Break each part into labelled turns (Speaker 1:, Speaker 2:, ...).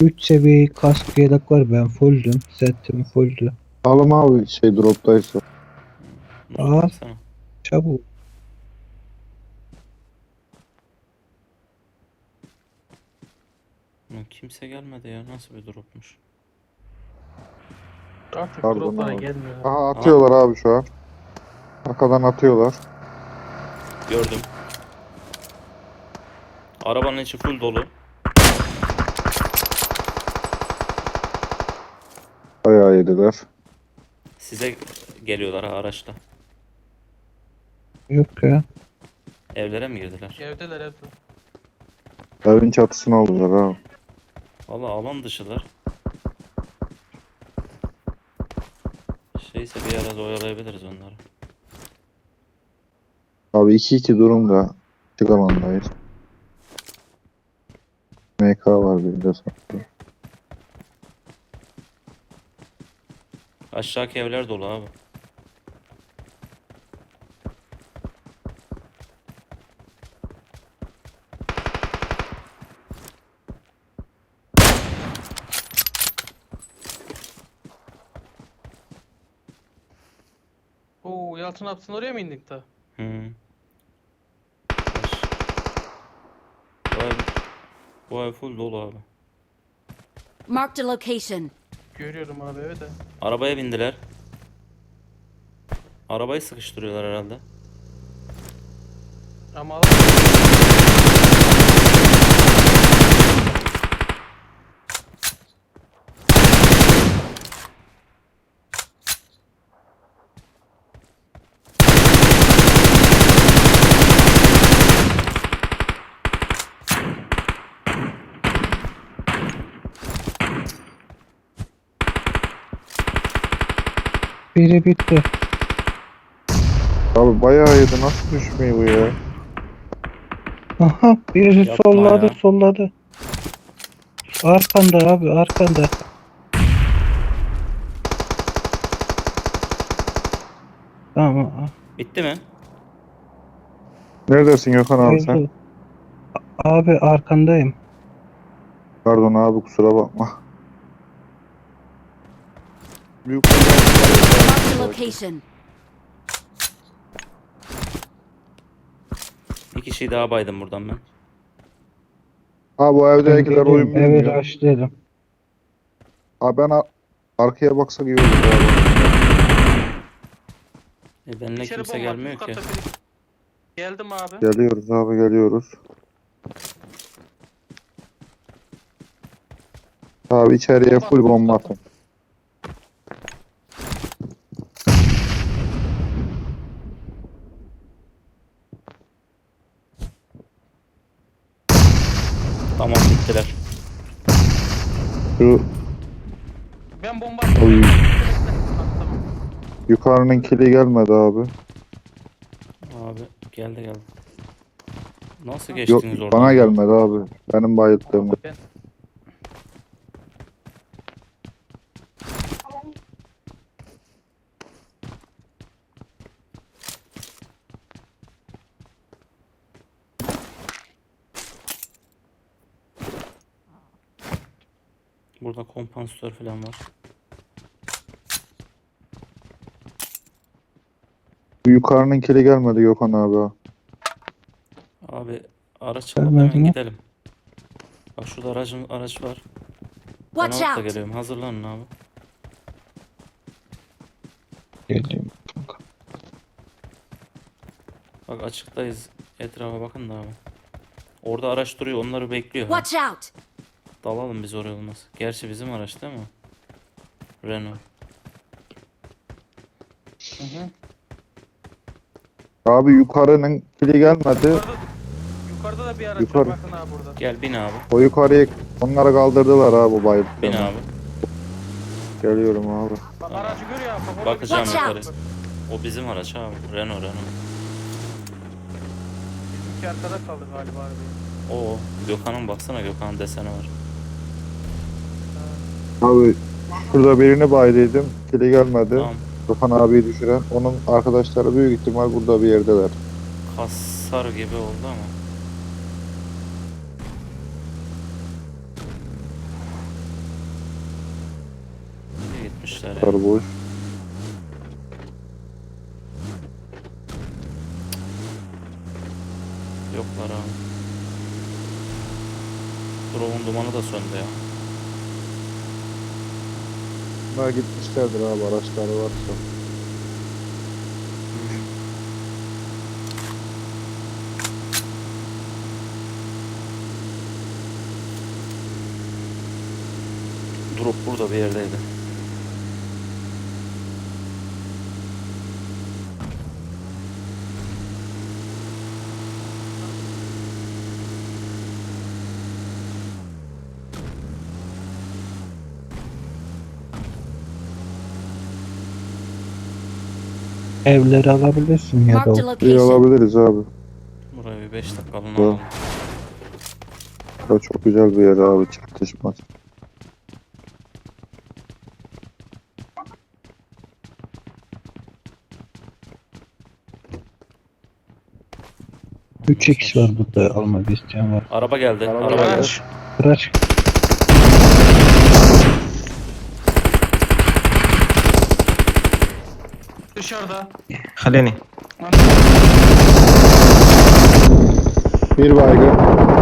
Speaker 1: 3 seviye kask yedek var, ben fulldüm. Setim fulldü.
Speaker 2: Alım abi droptaysa.
Speaker 3: Muzo
Speaker 1: Al
Speaker 3: baksana.
Speaker 1: çabuk.
Speaker 3: Lan kimse gelmedi ya. Nasıl bir dropmuş?
Speaker 4: Artık
Speaker 2: Pardon
Speaker 4: droplara
Speaker 2: abi.
Speaker 4: gelmiyor.
Speaker 2: Aha atıyorlar abi şu an. Arkadan atıyorlar.
Speaker 3: Gördüm. Arabanın içi full dolu.
Speaker 2: Bayağı yediler.
Speaker 3: Size geliyorlar ha araçla.
Speaker 1: Yok ya.
Speaker 3: Evlere mi girdiler?
Speaker 4: Evdeler evde.
Speaker 2: Evin çatısını aldılar abi.
Speaker 3: Valla alan dışılar. Şeyse bir arada oyalayabiliriz onları.
Speaker 2: Abi 2-2 durumda. Açık alandayız. MK var bir de sanki.
Speaker 3: Aşağıki evler dolu abi.
Speaker 4: Oo Yalçın Apsın oraya mı indik da?
Speaker 3: Hı. Bu ev, bu ev full dolu abi.
Speaker 5: Marked a location.
Speaker 4: Görüyorum abi evet de.
Speaker 3: Arabaya bindiler. Arabayı sıkıştırıyorlar herhalde.
Speaker 4: Ama
Speaker 1: Biri bitti.
Speaker 2: Abi bayağı yedi. Nasıl düşmüyor bu ya?
Speaker 1: Aha, biri
Speaker 3: Yapma
Speaker 1: solladı
Speaker 3: ya.
Speaker 1: solladı. Arkanda abi, arkanda. Tamam.
Speaker 3: Bitti mi?
Speaker 2: Neredesin Gökhan abi sen?
Speaker 1: Öldü. Abi arkandayım.
Speaker 2: Pardon abi kusura bakma. Büyük
Speaker 5: Marked a location.
Speaker 3: Bir kişiyi daha baydım buradan ben.
Speaker 2: Abi bu
Speaker 1: Ben
Speaker 2: evdekiler oyun
Speaker 1: geliyorum. Evet,
Speaker 2: bilmiyor.
Speaker 1: açtım.
Speaker 2: Abi arkaya baksak iyi olur abi.
Speaker 3: Benimle
Speaker 4: içeri
Speaker 3: kimse
Speaker 4: bomba
Speaker 3: gelmiyor
Speaker 4: üst
Speaker 3: ki.
Speaker 4: katta biri. Geldim abi.
Speaker 2: Geliyoruz abi geliyoruz. Abi içeriye full bomba atın.
Speaker 3: Tamam bittiler.
Speaker 2: Şu
Speaker 4: Ben bomba attım.
Speaker 2: Oy.
Speaker 4: Bekle. Tamam.
Speaker 2: yukarının kili gelmedi abi.
Speaker 3: Abi geldi. Nasıl
Speaker 2: Yok
Speaker 3: geçtiniz oradan?
Speaker 2: bana
Speaker 3: ya?
Speaker 2: gelmedi abi. Benim bayılttığım.
Speaker 4: Ben
Speaker 3: Burada kompansatör falan var.
Speaker 2: Bu yukarının kili gelmedi Gökhan abi.
Speaker 3: Abi araç alıp
Speaker 1: Gelmedi
Speaker 3: hemen
Speaker 1: mi?
Speaker 3: gidelim. Bak şurada araç var. Ben
Speaker 5: Watch
Speaker 3: alıp da
Speaker 5: out.
Speaker 3: geliyorum. Hazırlanın abi.
Speaker 1: Geliyorum.
Speaker 3: Bak açıktayız. Etrafa bakın da abi. Orada araç duruyor. Onları bekliyor. Ha.
Speaker 5: Watch out.
Speaker 3: Dalalım biz oraya olmaz. Gerçi bizim araç değil mi? Renault.
Speaker 4: Hı hı.
Speaker 2: Abi yukarının kili gelmedi.
Speaker 4: Yukarıda da bir araç
Speaker 2: Yukarı.
Speaker 4: var bakın abi burada.
Speaker 3: Gel bin abi.
Speaker 2: O yukarıya onları kaldırdılar abi bu bayılttığımı.
Speaker 3: Bin abi.
Speaker 2: Geliyorum abi.
Speaker 4: Bak aracı görüyor abi. Bak, orada bir
Speaker 3: Bakacağım
Speaker 4: tane
Speaker 5: yukarı.
Speaker 4: araç var.
Speaker 3: O bizim araç abi. Renault.
Speaker 4: Bizimki arkada kaldı galiba abi.
Speaker 3: O Gökhan'ın baksana, Gökhan'ın deseni var.
Speaker 2: Abi şurada birini baydıydım. Kili gelmedi.
Speaker 3: Tamam.
Speaker 2: Gökhan abiyi düşüren. Onun arkadaşları büyük ihtimal burada bir yerdeler.
Speaker 3: Hasar gibi oldu ama. Gelmişler ya.
Speaker 2: Sarı boş.
Speaker 3: Yoklar abi. Drone'un dumanı da söndü ya.
Speaker 2: Bunlar gitmişlerdir abi araçları varsa.
Speaker 3: Drop burada bir yerdeydi.
Speaker 1: Evleri alabilirsin ya da
Speaker 5: Marked a
Speaker 1: o-
Speaker 2: İyi
Speaker 5: location.
Speaker 2: alabiliriz abi.
Speaker 3: Buraya bir 5 dakikalığına
Speaker 2: Doğru.
Speaker 3: alalım.
Speaker 2: Bura çok güzel bir yer abi. Çatışmaz.
Speaker 1: üç x var burada almak isteyen var.
Speaker 3: Araba geldi.
Speaker 2: Araba
Speaker 3: Araba
Speaker 2: geldi.
Speaker 3: geldi.
Speaker 1: Kıraç.
Speaker 4: Dışarıda.
Speaker 6: خليني
Speaker 2: Bir baygın.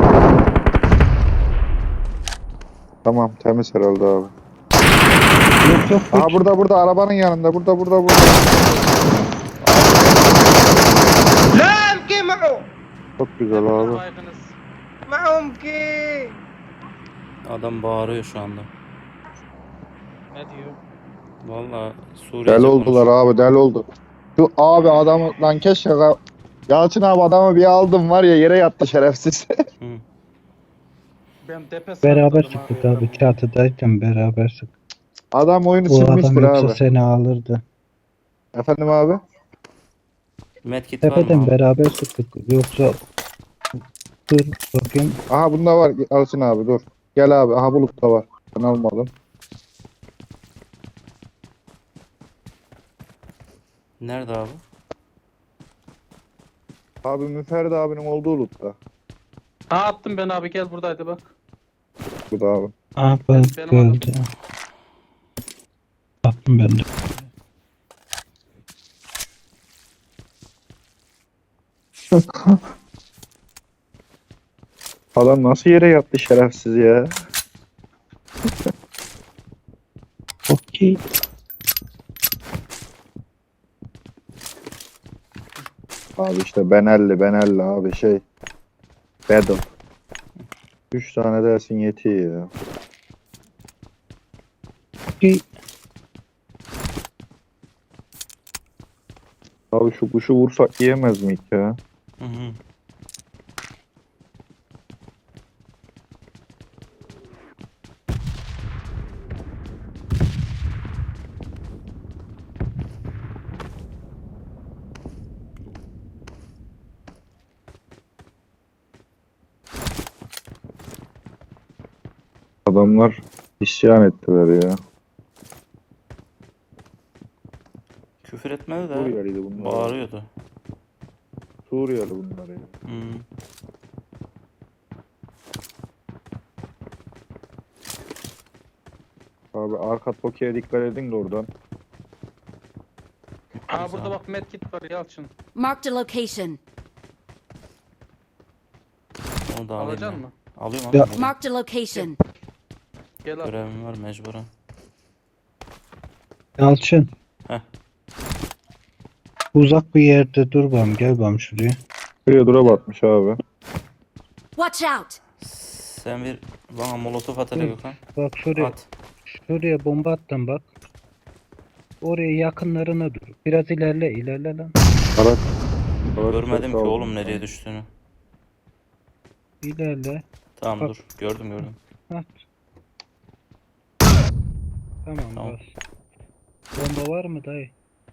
Speaker 2: Tamam temiz herhalde abi.
Speaker 1: Yok yok.
Speaker 2: Aha burada arabanın yanında. Burada.
Speaker 6: لا امكي معه
Speaker 2: Çok güzel abi.
Speaker 4: Baygınız.
Speaker 6: معه امكي
Speaker 3: Adam bağırıyor şu anda.
Speaker 4: Ne diyor?
Speaker 3: Vallahi Suriye
Speaker 2: Deli oldular abi deli oldu. Şu abi adamı lan keşke Yalçın abi adamı bir aldım var ya yere yattı şerefsiz.
Speaker 4: Ben depe
Speaker 1: Beraber
Speaker 4: sakladım
Speaker 1: sıktık abi. Çatıdayken beraber sıktık.
Speaker 2: Adam oyunu
Speaker 1: O adam
Speaker 2: silmiştir
Speaker 1: yoksa
Speaker 2: abi.
Speaker 1: seni alırdı.
Speaker 2: Efendim abi?
Speaker 3: Medkit var mı?
Speaker 1: Tepeden
Speaker 3: abi?
Speaker 1: beraber sıktık. Yoksa dur bakayım.
Speaker 2: Aha bunda var Yalçın abi dur. Gel abi aha bulutta var. Ben almadım.
Speaker 3: Nerede abi?
Speaker 2: Abi Müferdi abinin olduğu lootta.
Speaker 4: Ha attım ben abi gel buradaydı bak.
Speaker 2: Bu da abi.
Speaker 1: Aa ben
Speaker 4: Benim
Speaker 1: öldü. Attım ben de.
Speaker 2: Adam nasıl yere yattı şerefsiz ya.
Speaker 1: Okey.
Speaker 2: Abi işte Benelli abi şey. Battle. 3 tane dersin yetiyor ya.
Speaker 1: Okey.
Speaker 2: Abi şu kuşu vursak yiyemez miyik ya?
Speaker 3: Hı hı.
Speaker 2: Adamlar isyan ettiler ya.
Speaker 3: Küfür etmedi de
Speaker 2: Suriyeliydi bunlar.
Speaker 3: bağırıyordu.
Speaker 2: Suriyeli bunlar ya.
Speaker 3: Hı.
Speaker 2: Abi arka Tokyo'ya dikkat edin de oradan.
Speaker 4: Ha burada bak medkit var Yalçın.
Speaker 5: Marked a location.
Speaker 3: Onu da alayım.
Speaker 4: Alacaksın
Speaker 3: ben.
Speaker 4: mı?
Speaker 3: Alıyorum
Speaker 1: Ya-
Speaker 3: abi.
Speaker 5: Marked a location.
Speaker 4: Gel al.
Speaker 3: Görevim var mecburen.
Speaker 1: Yalçın.
Speaker 3: Heh.
Speaker 1: Uzak bir yerde dur bam. Gel bam şuraya.
Speaker 2: Şuraya dura batmış abi.
Speaker 5: Watch out!
Speaker 3: Sen bir bana molotof at hele Gökhan.
Speaker 1: Bak şuraya.
Speaker 3: At.
Speaker 1: Şuraya bomba attım bak. Oraya yakınlarına dur. Biraz ilerle lan.
Speaker 2: Araç.
Speaker 3: Görmedim ki oğlum nereye düştüğünü.
Speaker 1: İlerle.
Speaker 3: Tamam
Speaker 1: Bak.
Speaker 3: dur. Gördüm.
Speaker 1: At. Tamam,
Speaker 3: Tamam.
Speaker 1: bas. Bomba var mı dayı?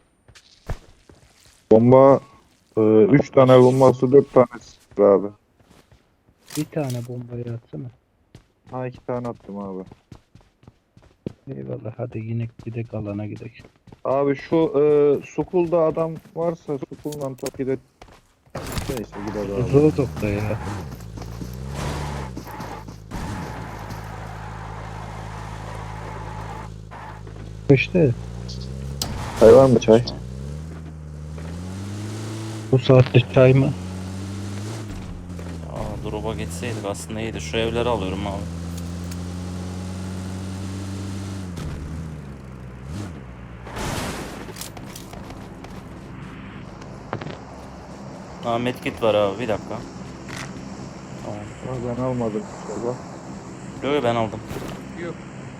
Speaker 2: Bomba 3 tane bombası 4 tanesi var abi.
Speaker 1: Bir tane bombayı atsana.
Speaker 2: Ha 2 tane attım abi.
Speaker 1: Eyvallah, hadi yine gidelim, alana gidelim.
Speaker 2: Abi şu Sukul'da adam varsa Sukul'la Toki'de neyse gider abi.
Speaker 1: Zordok da ya. İşte
Speaker 2: Çay var mı çay?
Speaker 1: bu saatte çay mı?
Speaker 3: Drop'a geçseydik aslında iyiydi. Şu evleri alıyorum abi. Medkit var abi, bir dakika. Tamam.
Speaker 2: Ben almadım inşallah.
Speaker 3: Yo, ben aldım.
Speaker 4: Yok.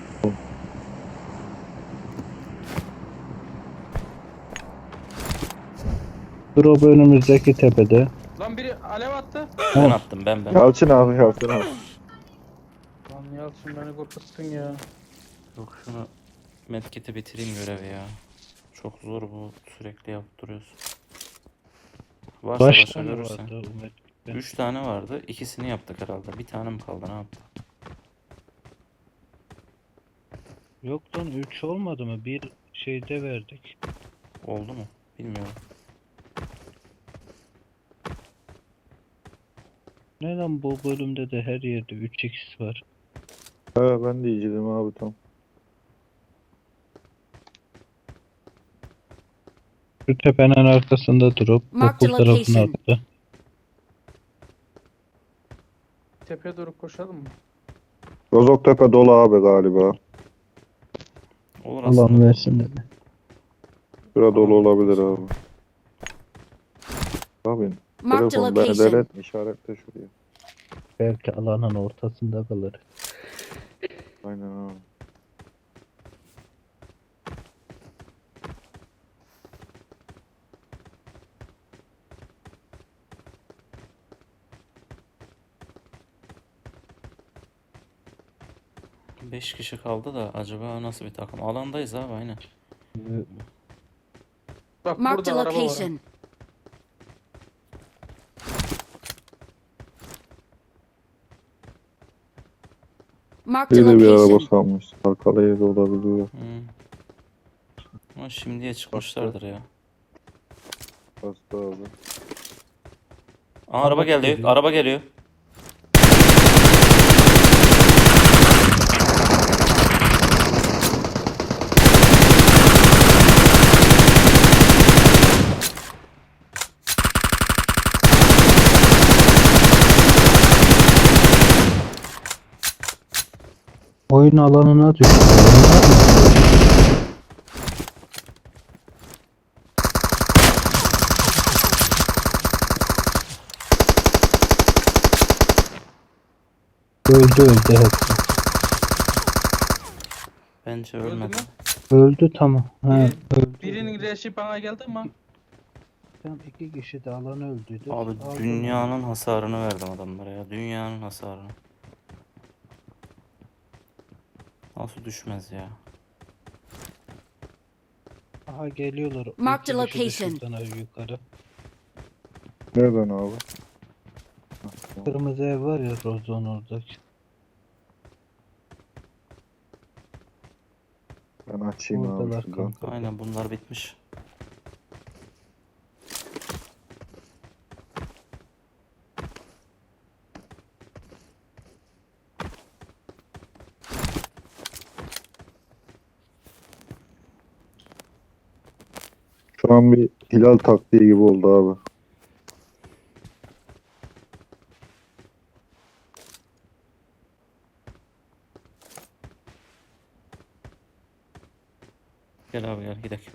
Speaker 1: Drop önümüzdeki tepede.
Speaker 4: Lan biri alev attı.
Speaker 3: Ben attım, ben.
Speaker 2: Yalçın abi Yalçın abi.
Speaker 4: Lan Yalçın beni korkuttun ya.
Speaker 3: Yok, şunu medkit'i bitireyim görevi ya. Çok zor bu, sürekli yapıp duruyorsun. Varsa
Speaker 1: Kaç
Speaker 3: başka
Speaker 1: tane
Speaker 3: görürsen.
Speaker 1: vardı Umut?
Speaker 3: 3 tane vardı. İkisini yaptık herhalde. Bir tane mi kaldı, ne yaptık?
Speaker 1: Yok lan 3 olmadı mı? Bir şeyde verdik.
Speaker 3: Oldu mu? Bilmiyorum.
Speaker 1: Ne lan bu bölümde de her yerde 3x var.
Speaker 2: He ben de yiyeceğim abi tam.
Speaker 1: Şu tepenin arkasında durup
Speaker 5: Mark the
Speaker 1: okul tarafına
Speaker 5: location.
Speaker 1: attı.
Speaker 4: Tepeye doğru koşalım mı?
Speaker 2: Rozoktepe dolu abi galiba.
Speaker 3: Olur
Speaker 1: Allah'ım
Speaker 3: aslında.
Speaker 1: versin dedi.
Speaker 2: Şura dolu olabilir abi. Abi
Speaker 5: Marked a
Speaker 2: telefon beni
Speaker 5: location.
Speaker 2: deret işaretle şuraya.
Speaker 1: Belki alanın ortasında kalır.
Speaker 2: Aynen abi.
Speaker 3: Beş kişi kaldı da acaba nasıl bir takım? Alandayız abi, aynen.
Speaker 4: Bak
Speaker 5: Marked
Speaker 4: burada
Speaker 5: a
Speaker 4: araba var.
Speaker 5: location. Marked a
Speaker 2: Bir de bir araba
Speaker 5: location.
Speaker 2: salmış. Arkalı yerde olabiliyor.
Speaker 3: Ama şimdiye çıkmışlardır ya.
Speaker 2: Bastı abi.
Speaker 3: Aa, araba geldi.
Speaker 1: geliyor.
Speaker 3: Araba geliyor.
Speaker 1: Oyun alanına düştü. Öldü hepsi.
Speaker 3: Bence
Speaker 4: Öldü
Speaker 3: ölmedi.
Speaker 4: mü?
Speaker 1: Öldü tamam. Ha, öldü.
Speaker 4: Birinin reşi bana geldi ama
Speaker 1: Tam 2 kişi de alan öldüydü.
Speaker 3: Abi
Speaker 1: Aldım.
Speaker 3: dünyanın hasarını verdim adamlara ya. Dünyanın hasarını. Nasıl düşmez ya?
Speaker 1: Aha geliyorlar.
Speaker 5: Marked a
Speaker 1: 2 kişi de
Speaker 5: location.
Speaker 1: şuradan abi yukarı.
Speaker 2: Nereden abi?
Speaker 1: Kırmızı ev var ya Rozon oradaki.
Speaker 2: Ben açayım abi
Speaker 1: Oradalar
Speaker 2: şuradan.
Speaker 1: kanka.
Speaker 3: Aynen, bunlar bitmiş.
Speaker 2: Şu an bir hilal taktiği gibi oldu abi.
Speaker 3: Gel abi, gel gidelim.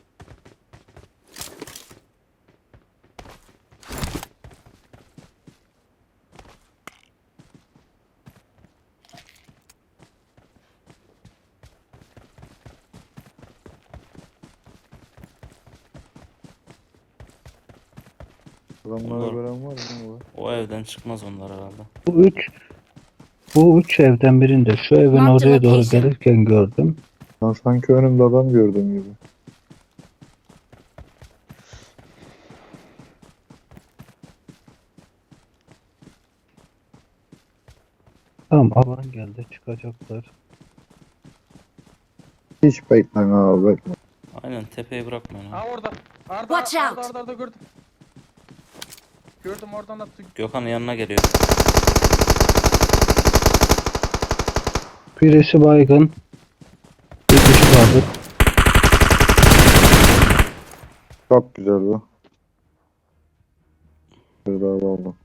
Speaker 2: Adamları
Speaker 3: Bunlar-
Speaker 2: gören var mı abi?
Speaker 3: O evden çıkmaz onlar herhalde.
Speaker 1: Bu üç evden birinde şu evin
Speaker 5: Marked
Speaker 1: oraya doğru
Speaker 5: location.
Speaker 1: gelirken gördüm.
Speaker 2: Ben sanki önümde adam gördüm gibi.
Speaker 1: Tamam alan geldi çıkacaklar.
Speaker 2: Hiç beklen abi bekle.
Speaker 3: Aynen, tepeyi bırakmayın abi.
Speaker 4: ha orada. Arda
Speaker 5: Watch
Speaker 4: Arda,
Speaker 5: out.
Speaker 4: Arda, Arda gördüm. Gördüm oradan attı.
Speaker 3: Gökhan'ın yanına geliyor.
Speaker 1: Birisi baygın. Bir kişi kaldı.
Speaker 2: Çok güzel bu. Bir daha oldu.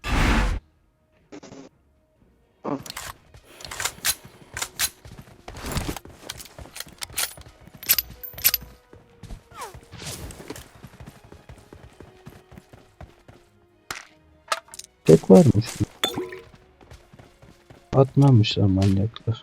Speaker 1: Tek varmış. Atmamışlar manyaklar.